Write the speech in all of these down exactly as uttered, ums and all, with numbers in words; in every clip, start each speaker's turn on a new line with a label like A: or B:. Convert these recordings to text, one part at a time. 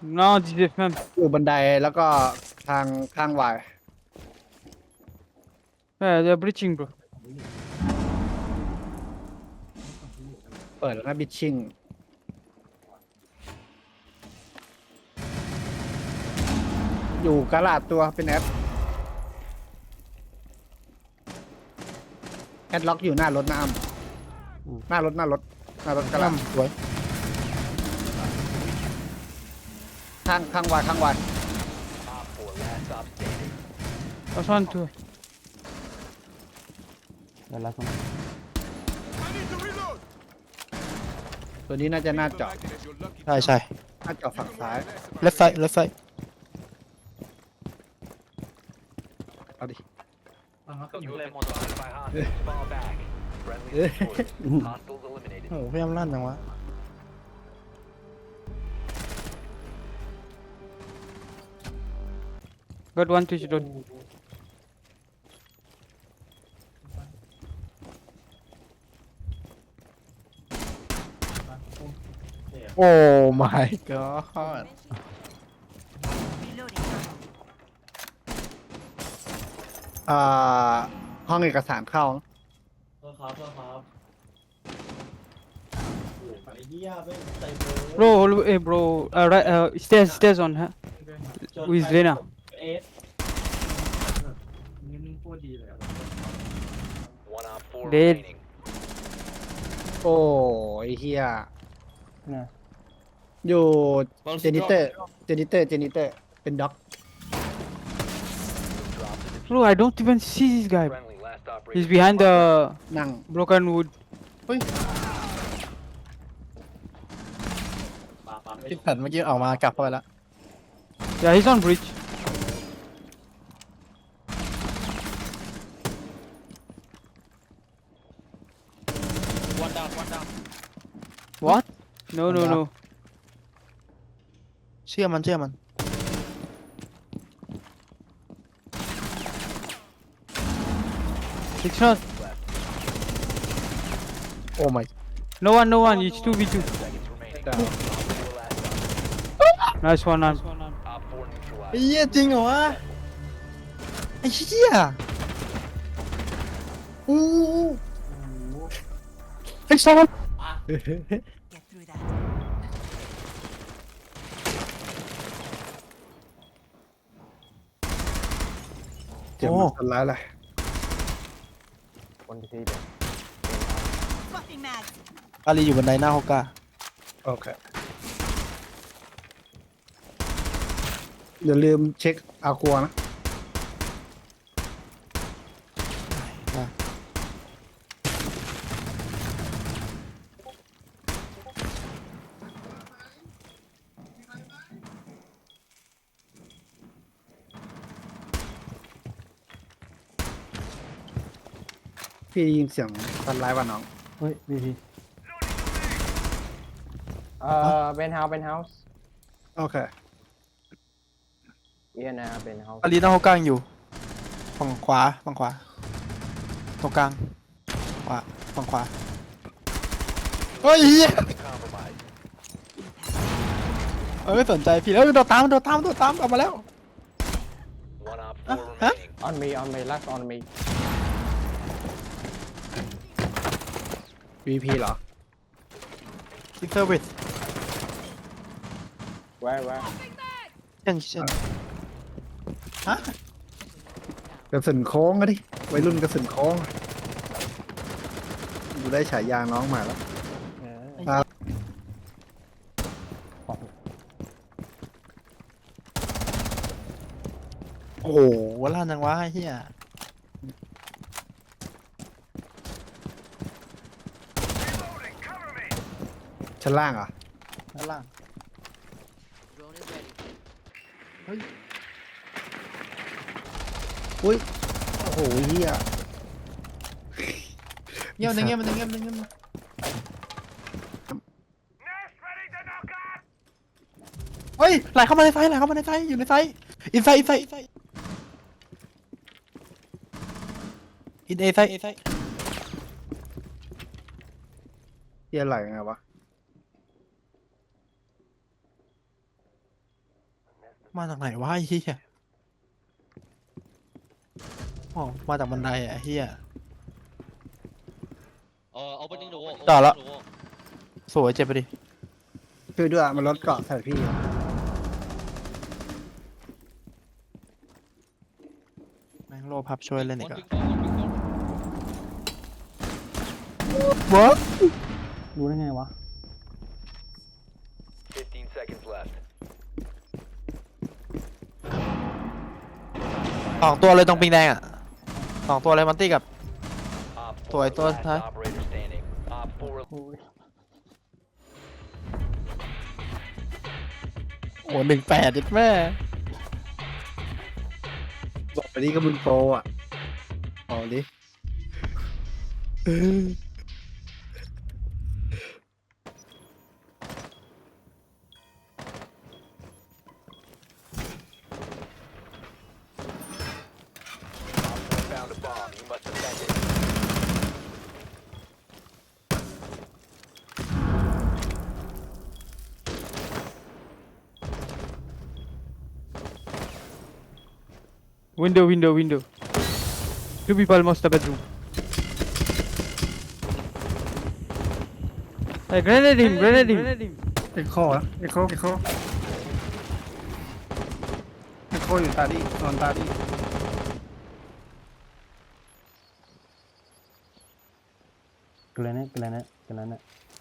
A: No, this is man.
B: อยู่บันไดแล้วก็ทางข้างวาย
A: Yeah, they're breaching, bro.
B: เปิดแล้วนะบิชชิ่งอยู่กระลาดตัวเป็นแอดแอดล็อกอยู่หน้ารถน้ำหน้ารถหน้ารถหน้ารถกระลาด
C: สวย
B: ข้างข้างวายข้างวาย
A: That's one, two.
C: เดี๋ยวละสอง
B: ตัวนี้น่าจะหน้าเจาะ
C: ใช่ใช่
B: หน้าเจาะฝั่งซ้าย
C: เลฟไซเลฟไซ
B: เอาดิ
D: You have been spotted by hostiles. Fall back. Friendly destroyed. Hostiles eliminated.
C: โอ้พยายามลั่นจังวะ
A: Got one twitch road.
C: โอ้ my god
B: อ่าห้องเอกสารเข้า
A: Bro, hold- hey, bro. Uh, right, uh, stairs, stairs on, huh? With Lena.
D: One op four
A: Dead.
D: remaining.
B: โอ้ยเฮีย
C: นะ
B: อยู่เจนิเตอร์เจนิเตอร์เจนิเตอร์เป็นด็อก
D: Drop the
A: Bro, I don't even see this guy.
D: friendly. Last operator.
A: He's behind the
B: นั่ง
A: broken wood.
C: ที่แผ่นเมื่อกี้ออกมากลับเข้าไปแล้ว
A: Yeah, he's on bridge. What? No, no,
C: One
A: no.
C: เชื่อมันเชื่อมัน
A: Six shot.
C: โอ้ my
A: No one, no one. It's two v two.
D: Seconds remaining. Four last op.
A: Nice one, nice one.
D: Op four
C: ไอ้
D: neutralized.
C: เหี้ยจริงเหรอวะไอ้เหี้ยอู้ไอ้ซอน
E: Get through that.
B: เจ็บมันคนร้ายเลย
E: Swapping mags.
C: อาลีอยู่บันไดหน้าฮอกก้า
B: โอเคอย่าลืมเช็คอากัวนะ พี่ได้ยินเสียงคนร้ายว่ะน้อง
C: เฮ้ยวีพี
F: เอ่อเป็นเฮาส์เป็นเฮาส์
B: โอเค
F: เอียนะเป็นเฮาส์
C: อาลีหน้าฮอกก้ายังอยู่ฝั่งขวาฝั่งขวาตรงกลางขวาฝั่งขวาเฮ้ยเหี้ย
D: Compromised.
C: เออไม่สนใจพี่แล้วโดดตามโดดตามโดดตามกลับมาแล้ว
D: One op
C: Huh?
D: four
C: Huh?
D: remaining.
F: ออนมีออนมีลักออนมี
B: วี พี เหรอ
C: ซิกเซอร์วิส
F: แว้แว้
C: เช่นเช่นฮะ
B: กระสุนโค้งอะดิวัยรุ่นกระสุนโค้งดูได้ฉายาน้องมาแล้ว ครับ
C: โอ้โหล่านจังวะไอ้เฮีย
B: ชั้นล่างเหรอ่ะ
C: ด้านล่าง
B: อุ้ย โอ้โหเฮีย
C: เงียบมันเงียบมันเงียบมันเงียบมันเฮ้ยไหลเข้ามาในไฟไหลเข้ามาในไฟอยู่ในไฟอินไซอินไซอินไซอินเอไซเอไซ
B: เฮียไหลไงวะ
C: มาจากไหนวะไอ้เหี้ยอ๋อมาจากบันไดอ่ะไอ้เหี้ย
G: Uh, opening the wall.
C: Đó
G: opening
C: là-
G: the wall.
C: สวยเจ็บไปดิ
B: ช่วยด้วยมันลดเกราะใส่พี่
C: แม่งโลพับช่วยเล่นอีก
G: One
C: อ่ะ
G: big door, one big door.
C: วะ
F: รู้ได้ไงวะ
D: fifteen seconds left.
C: สองตัวเลยตรงปิงแดงอ่ะสองตัวเลยมันตี้กับ
D: Op
C: Tôi-
D: four
C: tôi
D: last
C: thấy.
D: operator standing. Op four
C: โอ้หนึ่งแปดดิแม่
B: บอกไปนี่ก็มึงโปรอ่ะเอาดิ
D: found a bomb. You must defend it.
A: Window, window, window. Two people must have bedroom. Hey, grenade him, grenade him.
B: เอ็กโคนะเอ็กโคเอ็กโคเอ็กโคอยู่ตาดินอนตาดิ
F: เกลเนตเกลเนตเกลเนต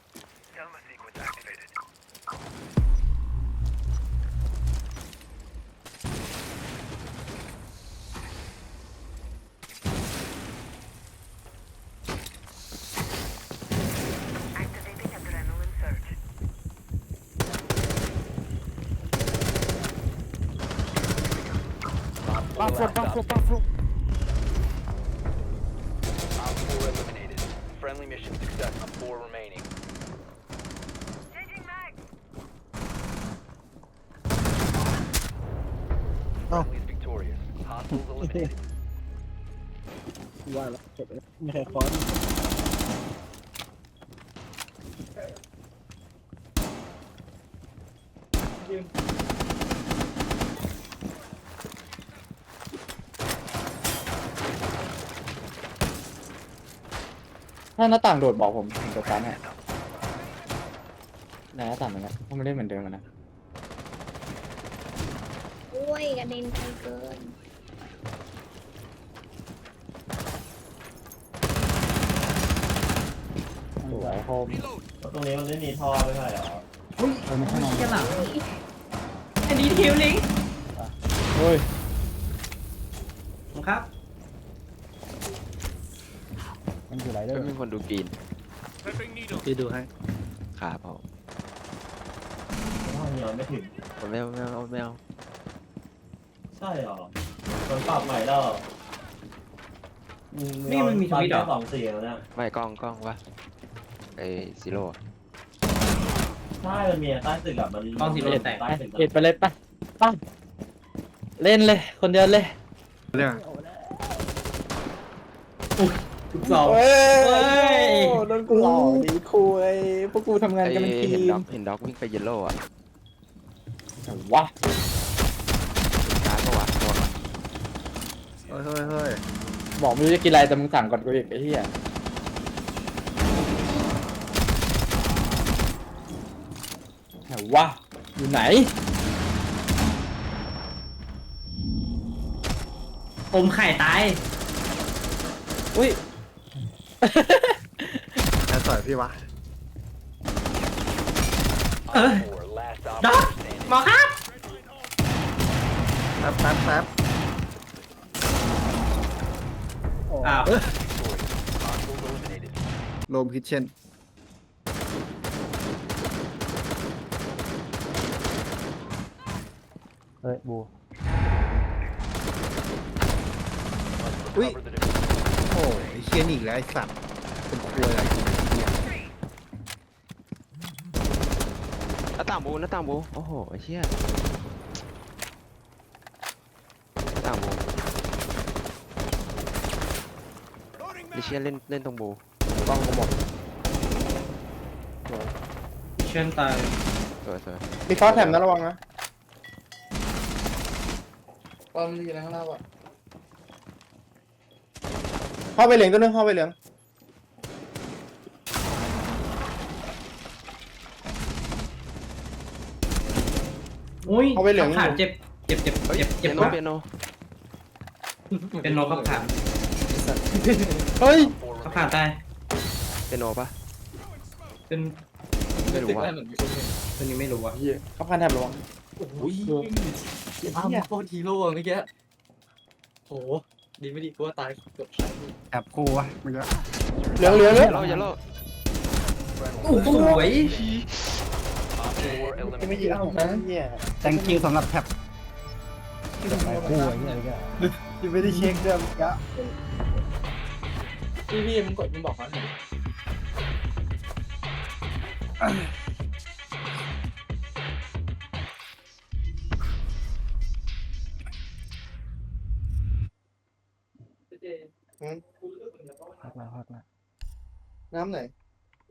E: Activating adrenaline surge.
D: Op four last op four eliminated. Friendly mission success. Op four remaining.
E: Changing mag.
D: Friendly is victorious. Hostiles eliminated.
B: ว่าแล้วจบแล้วไม่ใช่คอนถ้าหน้าต่างโดดบอกผมผมจะการให้หน้าต่างเหมือนกันเพราะมันเล่นเหมือนเดิมอะนะ
H: โอ้ยกระเด็นไกลเกิน
F: สวยโฮม
I: ตรงนี้มันไม่มีท่อไม่ใช่เหรอ
F: เออไม่ใช่นอน
I: อันนี้ทิวลิง
F: เฮ้ย
I: ครับ
F: มันอยู่ไรเด้อ
G: มีคนดูกรีน
B: พี่ดูให้
G: ขาผม
I: ท่อนี้ไม่ถึง
G: ผมไม่เอาไม่เอาไม่เอา
I: ใช่เหรอมันปรับใหม่แล้ว
J: นี่มันมีทวิตเหรอ
I: สองสี่แล้วเนี่ย
G: ไม่กล้องกล้องวะไอซีโร่
I: ใช่มันมีใต้ตึกอะมัน
J: กล้องสีไม่ได้แตก
I: ใต้ตึก
F: เอ็ดไปเลยไปไปเล่นเลย คนเดียวเลย
B: เรื่อง
J: ทุกสอง
F: เฮ้
J: เฮ้
F: ย
J: ย
F: โดนกูหลอกดีคุยพวกกูทำงาน
G: ไอ
F: กันเป็นที
G: เห็น
F: ม
G: ด็อกเห็นด็อกวิ่งไปเยลโล่อะ
F: วะ
G: การ์ดปะวะโดน
B: เฮ้ยเฮ้ยเฮ้ย
F: บอกไม่รู้จะกินอะไรแต่มึงสั่งก่อนกูอีกไอ้เหี้ยไหนวะอยู่ไหน
J: อมไข่ตาย
F: อุ้ย
B: แล้วต่อยพี่วะ
D: Op four last operator standing.
J: หมอครับ
B: แป๊บแป๊บแป๊บ
J: อ้าว
D: Victorious. Hostiles eliminated.
B: โรมคิทเช่น
F: เฮ้ยบู
B: อุ้ย
D: Cover the diffuser.
B: โอ้ยไอ้เชียนอีกแล้วไอ้สัตว์เป็นครัวอะไรกินไอ้เหี้ย
G: หน้าต่างบูหน้าต่างบูโอ้โหไอ้เชี่ยหน้าต่างบูไอ้เชี่ยเล่นเล่นตรงบู
F: กล้องกูหมด
J: เชิญตาย
G: สวยสวย
F: มีคอร์สแถมนะระวังนะ
G: ไ
B: อนมันอยู่ในข้างล่างอ่ะ
C: เข้าไปเหลืองตัวนึงเข้าไปเหลือง
J: อุ้ย
C: เอาไปเหลือง
J: ขับผ่านเจ็บเจ็บเจ็บ
G: เฮ้ย
J: เจ็บ
G: เปี
J: เจ็
G: ย
J: บ
G: โน
J: มาก
G: เปียโน
J: เป็นโนขับผ่าน
C: เฮ้ย
J: ขับผ่านตาย
G: เปียโนปะ
J: เป็น
G: ไม่รู้ว่า
J: ตัวนี้ไม่รู้อ่ะ
C: เหี้ยเขาพันแถบระวัง
F: โอ้ยอ้าวโคตรฮีโร่อะเมื่อกี้โหดีไม่ดีกูว่าตายเกือบตาย
B: แอบกูวะมึงก็
C: เหลืองเหลืองเหลือง
G: เยลโล่เยลโล่
J: โอ้โหสวย
D: Op four
C: จะไม่
D: eliminated.
C: ยิงเอานะเนี่ย
B: thank you สำหรับแท็บกูไอ้เหี้ยยังไม่ได้เช็คเรื่องกะ
F: พี่พี่มึงกดมึงบอกเขาหน่อย
B: พักมาพักมา
C: น้ำไหน